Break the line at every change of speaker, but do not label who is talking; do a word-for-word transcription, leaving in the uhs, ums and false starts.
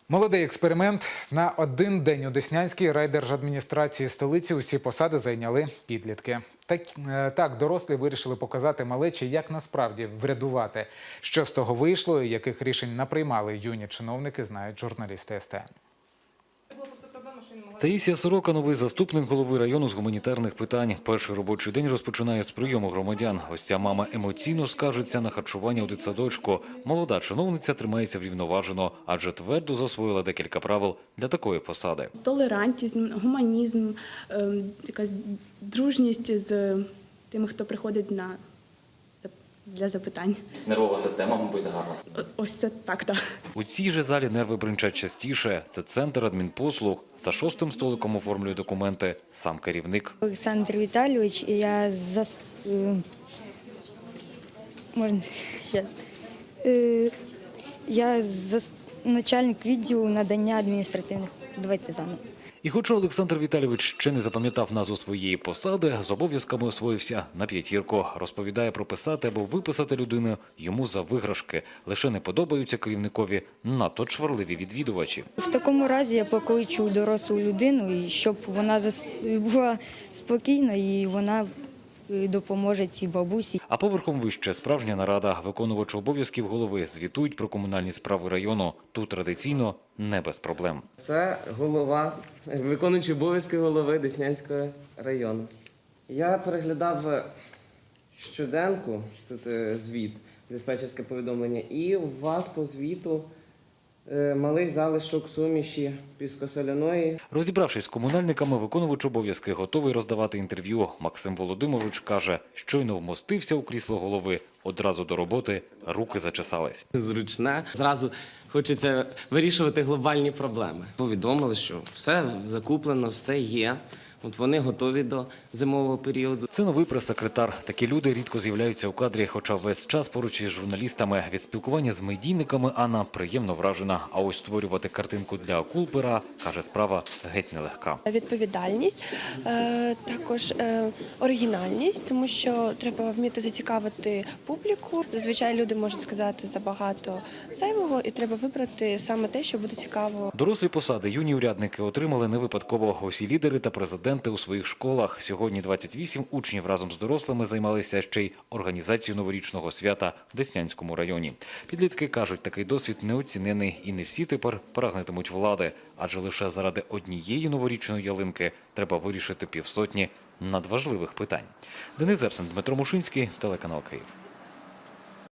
Молодий експеримент. На один день у Деснянській райдержадміністрації столиці усі посади зайняли підлітки. Так, так, дорослі вирішили показати малечі, як насправді врядувати. Що з того вийшло і яких рішень наприймали юні чиновники, знають журналісти ес те ен.
Таїсія Сорока – новий заступник голови району з гуманітарних питань. Перший робочий день розпочинає з прийому громадян. Ось ця мама емоційно скаржиться на харчування у дитсадочку. Молода чиновниця тримається врівноважено, адже твердо засвоїла декілька правил для такої посади.
Толерантність, гуманізм, якась дружність з тими, хто приходить на для запитань.
Нервова система, мабуть, гарна.
Ось це так, так.
У цій же залі нерви бринчать частіше. Це центр адмінпослуг. За шостим столиком оформлює документи сам керівник.
Олександр Віталійович, я зас... Можна зараз. Я зас... начальник відділу надання адміністративних. Давайте заново.
І хоча Олександр Віталійович ще не запам'ятав назву своєї посади, з обов'язками освоївся на п'ятірку. Розповідає, прописати або виписати людину йому за виграшки. Лише не подобаються керівникові надто чварливі відвідувачі.
В такому разі я покличу дорослу людину, і щоб вона зас... була спокійна і вона допоможе цій бабусі.
А поверхом вище справжня нарада. Виконувачі обов'язків голови звітують про комунальні справи району. Тут традиційно не без проблем.
Це голова, виконуючий обов'язки голови Деснянського району. Я переглядав щоденку, тут звіт, диспетчерське повідомлення, і у вас по звіту малий залишок суміші піскосоляної.
Розібравшись з комунальниками, виконувач обов'язки готовий роздавати інтерв'ю. Максим Володимирович каже, щойно вмостився у крісло голови, одразу до роботи руки зачесались.
Зручне. Зразу хочеться вирішувати глобальні проблеми. Повідомили, що все закуплено, все є. От вони готові до зимового періоду.
Це новий прес-секретар. Такі люди рідко з'являються у кадрі, хоча весь час поруч із журналістами. Від спілкування з медійниками Анна приємно вражена. А ось створювати картинку для акул-пера, каже, справа геть нелегка.
Відповідальність, також оригінальність, тому що треба вміти зацікавити публіку. Зазвичай люди можуть сказати забагато зайвого і треба вибрати саме те, що буде цікаво.
Дорослі посади юні урядники отримали не випадково. Усі лідери та президенти у своїх школах. Сьогодні двадцять вісім учнів разом з дорослими займалися ще й організацією новорічного свята в Деснянському районі. Підлітки кажуть, такий досвід неоцінений і не всі тепер прагнетимуть влади. Адже лише заради однієї новорічної ялинки треба вирішити півсотні надважливих питань. Денис Зепсен, Дмитро Мушинський, телеканал Київ.